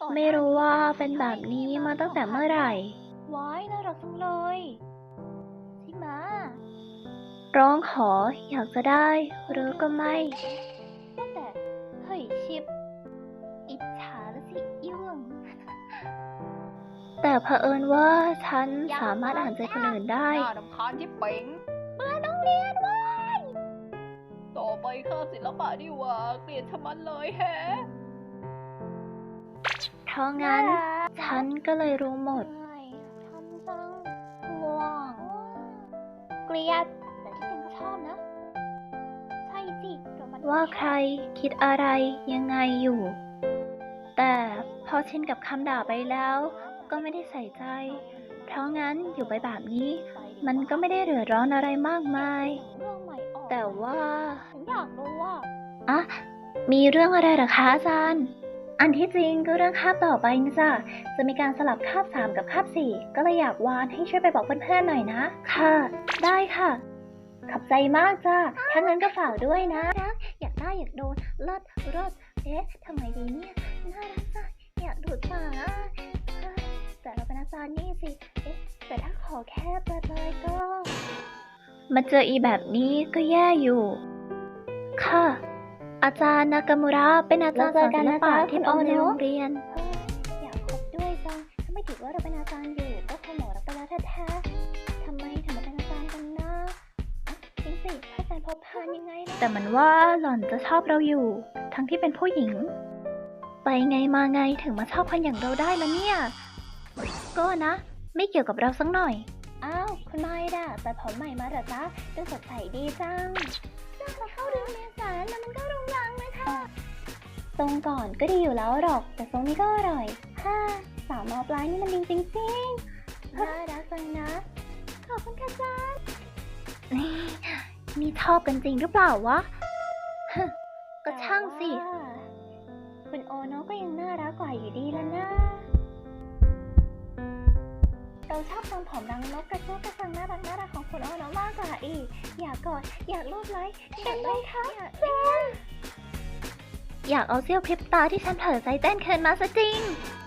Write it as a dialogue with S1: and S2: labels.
S1: ไม่รู้ว่าเป็นแบบนี้มาตั้งแต่เมื่อไหร่
S2: ว้ายน่ารักจังเลยใช่ไหม
S1: ร้องขออยากจะได้หรือก็ไม่
S2: ตั้งแต่เฮ้ยชิปอิจฉาละสิอีหวง
S1: แต่เผอิญว่าฉันสามารถอ่านใจคนอื่นได้
S3: น่ารำคาญที่เป๋ง
S2: เมื่อต้องเรียนเว้ย
S3: ต่อไปข้าศิลปะดีกว่าเกลียดชะมัดเลยแฮะ
S1: เพราะงั้น ฉันก็เลยรู้หมด
S2: ใช่ทำจังง่วงเกลียด แต่ที่จริงก็ชอบนะ ใช่สิแต่มัน
S1: ว่าใครคิดอะไรยังไงอยู่ แต่พอชินกับคำด่าไปแล้ว ก็ไม่ได้ใส่ใจ เพราะงั้นอยู่ไปแบบนี้ มันก็ไม่ได้เดือดร้อนอะไรมากมาย
S2: เรื่องใหม่ออก
S1: แต่ว่า
S2: ฉันอยากรู้ว่า
S1: อะมีเรื่องอะไรเหรอคะอาจารย์ อันที่จริงก็เรื่องคาบต่อไปนะจ๊ะ จะมีการสลับคาบ3กับคาบ4ก็เลยอยากวานให้ช่วยไปบอกเพื่อนๆหน่อยนะ ค่ะ ได้ค่ะ ขอบใจมากจ้าถ้างั้นก็ฝากด้วยนะรักอยากได้อยากโดนเลิศเอ๊ะทำไมดีเนี่ยน่ารักจังอยากดูดปากอ่ะแต่เราเป็นอาจารย์นี่สิ เอ๊ะ แต่ถ้าขอแค่เปิดเลยก็ มาเจออีแบบนี้ก็แย่อยู่ ค่ะ อาจารย์นากามูระเป็นอาจารย์สอนศิลปะที่ปอในโรงเรียน
S2: อยากคบด้วยจัง ถ้าไม่ถือว่าเราเป็นอาจารย์อยู่ ก็คงหมอรักไปแล้วแท้ๆทำไมถึงมาเป็นอาจารย์กันนะอ่ะจริงสิถ้าอาจารย์พบพานยังไงล่ะ
S1: แต่มันว่าหล่อนจะชอบเราอยู่ ทั้งที่เป็นผู้หญิง ไปไงมาไงถึงมาชอบคนอย่างเราได้ละเนี่ย ก็นะ ไม่เกี่ยวกับเราสักหน่อย
S2: อ้าวคุณไมค์ด่ะแต่ผมใหม่มาเหรอจ๊ะดูสดใสดีจังพอเข้าเดือนเมษายนแล้วมันก็รุงรังเลยค่ะทรงก่อนก็ดีอยู่แล้วหรอก แต่ทรงนี้ก็อร่อยฮ่าสาวมอปลายนี่มันดีจริงๆน่ารักจังนะ ขอบคุณค่ะจ๊ะ
S1: นี่ชอบกันจริงหรือเปล่าวะ ก็ช่างสิ
S2: แต่ว่าคุณโอโนะก็ยังน่ารักกว่าอยู่ดีแล้วนะ เราชอบทรงผมรังนกกระโจกกระสังน่ารักของคุณโอโนะมากกว่าอีก อยากกอดอยากรูปไล้อยากได้ค่ะจ้า
S1: อยากเอาเสี้ยวพริบตาที่ฉันเผลอใจเต้นคืนมาซะจริง